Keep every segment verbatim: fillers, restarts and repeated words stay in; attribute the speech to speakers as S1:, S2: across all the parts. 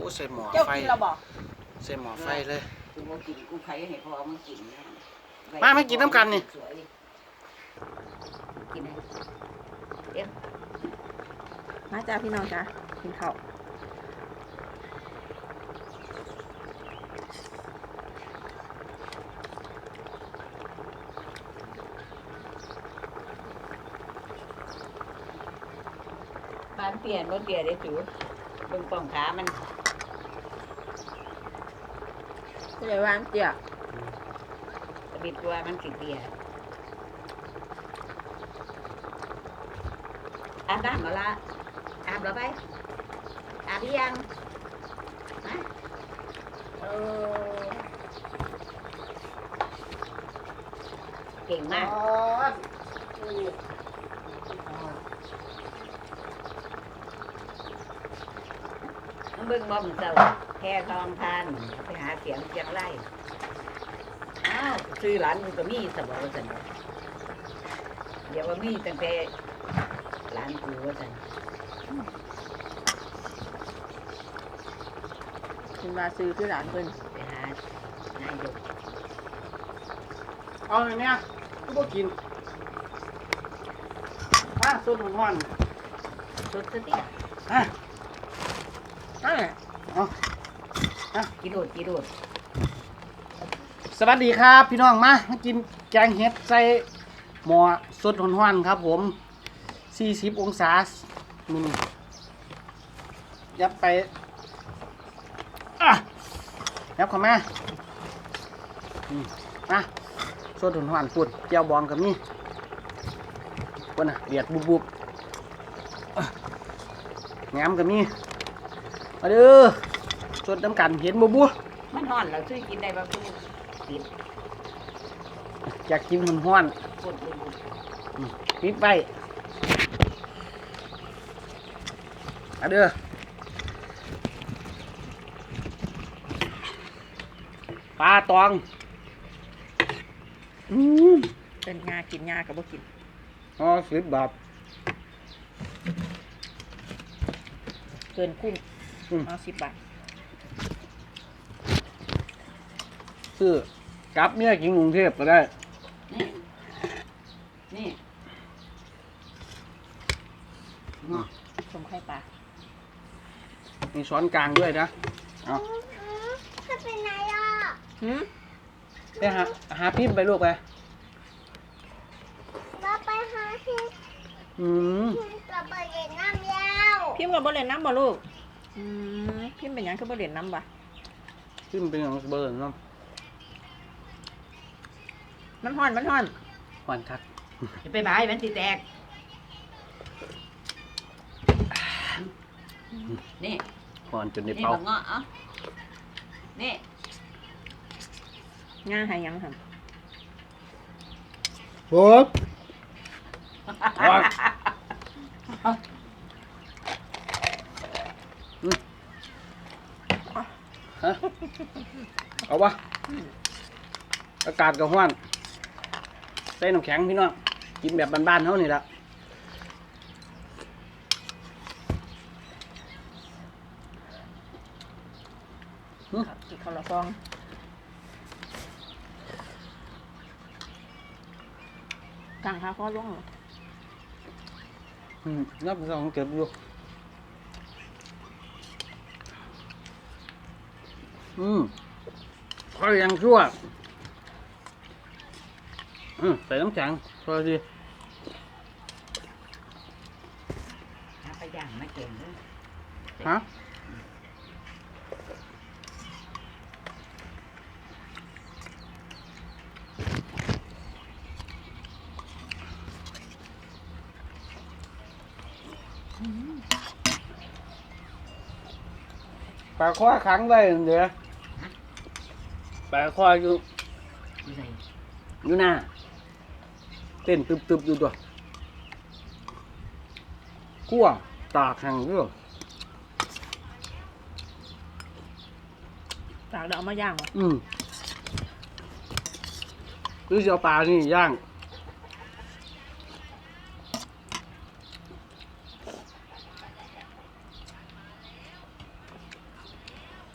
S1: ใส่หม้อไฟใส่หม้อไฟเลย
S2: กูมากินกูใครให้พอมากิน
S1: มาไม่กินน้ำกันนี่
S2: กินไหนเดี๋ยว
S3: มาจ้าพี่น้องจ้ากินข้าว
S2: บ้านเปลี่ยนรถเปลี่ยนได้จูเบิ่งป่องขามัน
S3: จะได้วางเจีย
S2: ตะบิดตัวมันสิเปียอาบน้ำมาละอาบแล้วไปอาบยังฮะเออเก่งมากเบิ่งบ่มเจ้าแค่ทองทานไปหาเสียงเสียงไล่อ้าวซื้อหลานมึงก็มีสบายจังเดี๋ยวว่ามีตั้งแต่หลานกูว่าจัง
S3: กินมาซื้อที่ร้านเพิ่น
S2: ไปหานายก
S1: เอาอย่างเนี้ยกูบ่กินมาส้มห้อน
S2: สดสติ
S1: อ่ะ
S3: นั่นแหละ
S1: เอาอ่ะ
S2: กิโดดกิโดด
S1: สวัสดีครับพี่น้องมามากินแกงเห็ดใส่หม้อสดห้อนๆครับผมสี่สิบองศามิลยับไปอ่ะยับเข้ามาอืมมาสดห้อนๆปุ่นเจียวบองกับนี่ปุ่นน่ะเดือดบุบๆแหนมกับนี่มาเด้อสดน้ำกันเห็นบุบๆ
S2: มันห่อนเราซื้อกินได้บ่คือปิด
S1: อยากกินมันห้อนปิดไว้มาเด้อปลาตอง
S3: อืมเป็นงากินงากับบ่กิน
S1: อ๋อสิบบาท
S3: เกินคุ้มอ๋อสิบบาท
S1: ซื้อกับเนี่ยกินกรุงเทพก็ได้
S2: นี่นี่
S3: สมไข่ปลา
S1: มีช้อนกลางด้วยนะเอา
S4: ถ้าเป็นไงล่ะ
S3: หืม
S1: ไปหาหาพิมพ์ไปลูกไป
S4: เราไปหาที่
S1: อืม
S4: พิมกับเล่นน้ำยาว
S3: พิมกับบ่เล่นน้ำบ่ลูกอืมพิมเป็นหยังคือบ่เล่นน้ำบ่
S1: พิมเป็นอย่างเบอร์น้ำ
S3: มันห่อนมันห่อน
S1: ห่อนคัก
S2: จะไปบายมันสิแตกนี่
S1: ห่อนจนใน
S2: นี่
S1: เป่า
S2: บักเงาะเอ้านี่
S3: งาหายังครับ
S1: โบ๊ะเอาวะอากาศก็ห้อนใส่น้ำแข็งพี่น้องกินแบบบ้านๆเท่านี่ละ
S3: กินข้าวละฟองกลางขาข้อล่วง
S1: อืมนับสองเก็บอยู่อืมค่อยยังชั่วอืมใส่น้ำแข็งพอดี
S2: ไปย่างมาเก่งเลย
S1: ฮะปลาข้อขังได้เดี๋ยวปลาข้ออยู่อยู่หน้าเต้นตึบๆอยู่ตัวขั้วตากแห้งเรื่อง
S3: ตากเดี๋ยวเอามาย่างเหรอ
S1: อืมหรือจะเอาปลานี่ย่าง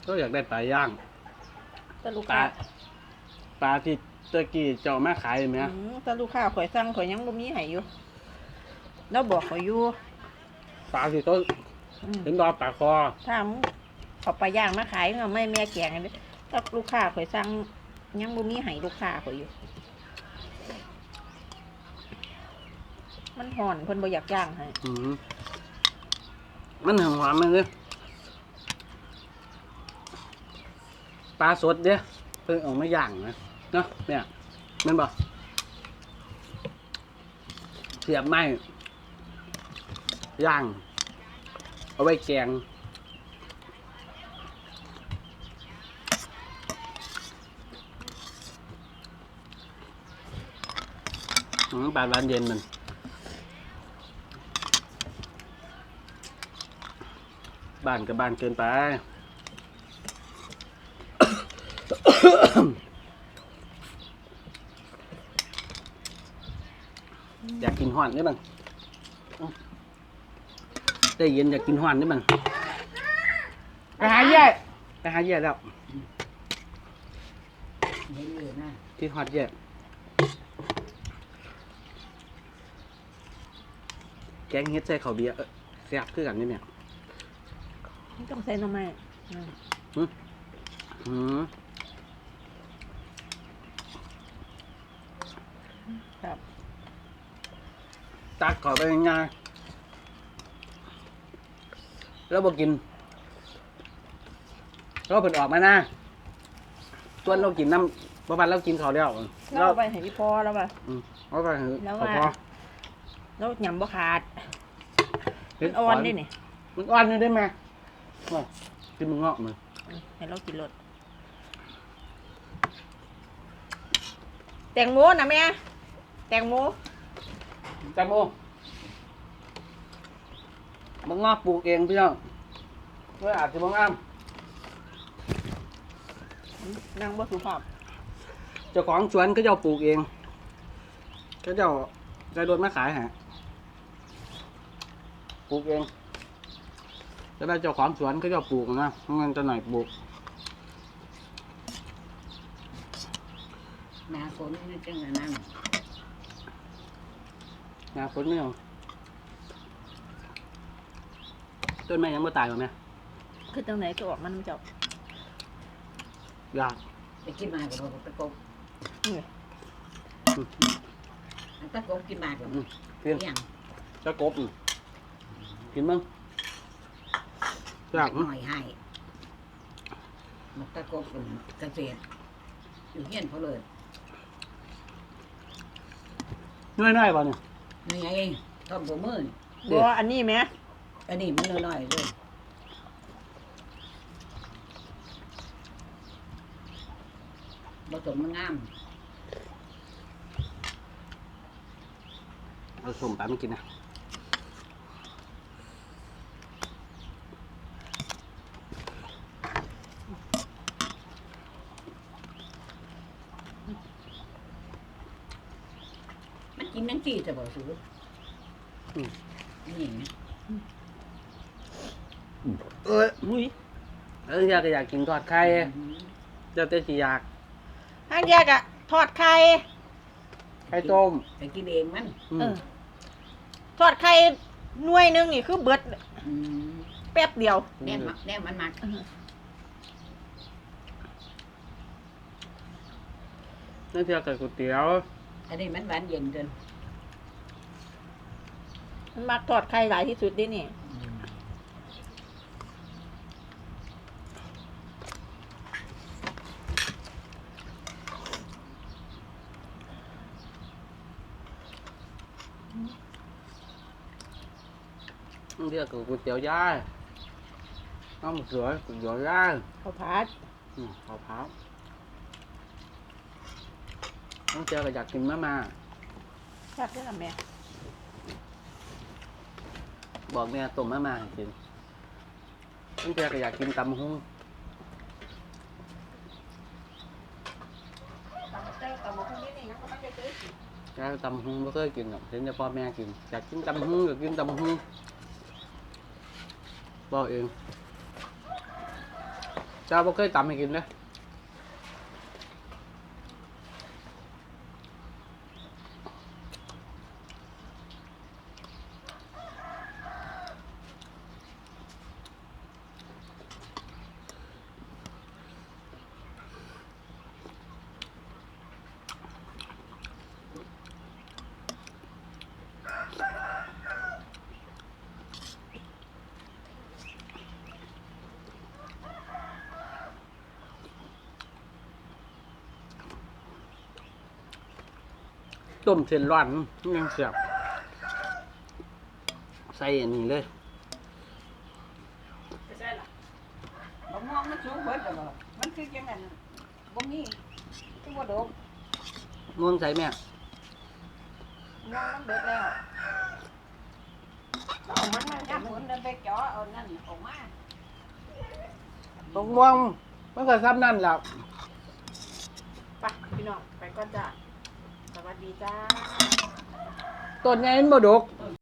S1: ก็อยากได้ปลาย่าง
S3: แต่ลูก
S1: ปลา
S3: ค้า
S1: ปลาที่ตะกี้เจ้ามาขายไหม
S3: อืมแต่ลูกค้าข่อยสั่งข่อยยังบ่มีให้อยู่แล้วบอกข่อยอยู่
S1: ปลาที่ต้น
S3: อืม
S1: ถึงรอปลาคอ
S3: ถ้ามึงเอาปลาย่างมาขายก็ไม่แม่แกงอันนี้ถ้าลูกค้าข่อยสั่งยังบ่มีให้ลูกค้าข่อยอยู่ มันห่อนเพิ่นบ่อยากย่างให้
S1: อืมมันหอมหวานมันเลยปลาสดเด้เพิ่งเออกมาย่างนะเนาะเนี่ยแมันบอกเสียบไม้ย่าง เอาไว้แกงอืมปลาหวานเย็นมันบ้านกับบ้านเกินไป อยากกินห่อนได้บ้างได้เย็นอยากกินห่อนได้บ้างไปหาแย่ไปหาแย่แล้ว
S2: เห็นอยู่นะ
S1: ที่ฮอดแย่แกงเฮ็ดใส่ข้าวเบียร์เอ้อแซ่บคือกันนี่เนี่ย
S3: มันต้องใส่หน่อไม้อืม
S1: อืม
S3: ครับ
S1: ตักขอไปง่ายๆแล้วบอกินเราเพิ่นออกมาหน้าส่วนเรากินน้ำประมาณเรากินข้าวแล้ว
S3: แล้วเอาไปให้พี่พ่อแล้วป่ะ
S1: อืมเอาไปเถอะ
S3: แล้ว
S1: ขอ
S3: ว่า
S1: พอ
S3: แล้วยำบ่ขาด
S1: เฮ็
S3: มันอ่อนด้วยนี่
S1: มันอ่อนนี่ได้ไหมว่ากินมันงอกมือ
S3: อืมให้เรากินรสแตงโมนะแม่แตงโม
S1: แตงโมมันงอกปลูกเองพี่น้องเมื่ออาจจะบางอ้าม
S3: นางบ่สุภาพ
S1: เจ้าของสวนก็เจ้าปลูกเองก็เจ้าใจรถมาขายฮะปลูกเองจะได้เจ้าของสวนก็เจ้าปลูกนะเงินจะหน่อยปลูก
S2: หนาฝนนี่จังอันนั่น
S1: นะฝนไม่เอาต้นไม้ยังไม่ตายหรอแม่
S3: คือจังไหนก็ออกมันเจ้าย
S1: าก
S2: ไปกินมากับตะกบ
S3: นี่
S2: อันตะกบกินมากับ
S1: อืมเพียน
S2: เลี้ยง
S1: เจ้ากบอืมกินมั้งยาก
S2: ห
S1: มั้ง
S2: น่อยให้มันตะกบเป็นเกษตรอยู่เฮียนเขาเลย
S1: น้อยๆป่ะเนี่ย
S2: นี่ไงต้นหัวมือนี่
S1: เด็
S3: บ่
S1: ด
S3: อันนี้แม่
S2: อันนี้มันน้อยๆเลยผสมมันงาม
S1: เอาส้มไปไม่กินนะ
S2: มันกินนั่งจีจะบอกซื้อ
S1: อืม
S2: นี่ไง
S1: เอ้ย
S3: อุ้ย
S1: เอออยากก็อยากกินทอดไข่เจ้าเต้สิอยาก
S3: ห้างแยกอะทอดไข่
S1: ไข่ต้ม
S2: ไปกินเองมัน
S1: อื
S3: เอ
S1: ม
S3: อทอดไข่หน่วยหนึงนี่คือเบิด
S2: อืม
S3: แป๊บเดียว
S2: แนมมักแนมมันมัก
S1: นั่นเทียกับก๋วยเตี๋ยว
S2: อันนี้มันหวานเย็นเกิน
S3: มันมักทอดไข่หลายที่สุดเดินี่
S1: นั่นเทียกับก๋วยเตี๋ยวย่ายน้ำเสือก๋วยเตี๋ยวย่าย
S3: ข้าวผัด
S1: อืมข้าวเผาน้องเจียก็อยากกินมาม่า
S3: แซ่บด้วยล่ะแม่
S1: บอกแม่ต้มมาม่าให้กินน้องเจียก็อยากกินตำหุ้ง
S3: แต่แต่บ่คนนี้นี่ยังบ่ทันได้ซื้อกิน
S1: อยากตำหุ้งไม่เคยกินหรอกเห็นแต่พ่อแม่กินอยากกินตำหุ้งอยากกินตำหุ้งบอกเองจ้าบ่เคยตำให้กินเลยต้มเส้นร้อนยังเสียบใส่อันนี้เลย
S3: ไปใช่ล่ะบะม่วงมันสูงเบิดแล้วบ่มันคือจังนั้นบ่มีคือบ่ดก
S1: ม่วงใส่แม่
S3: ม่วงมันเบิดแล้วเอามันมันยามฝนเดินไปเจาะเอานั่นออกมา
S1: ม่วงม่วงมันก็ซ้ำนั่นแหละ
S3: ไปพี่น้องไปก่อนจ้าสวัสดีจ้า
S1: ต้นใหญ่มันบ่ดก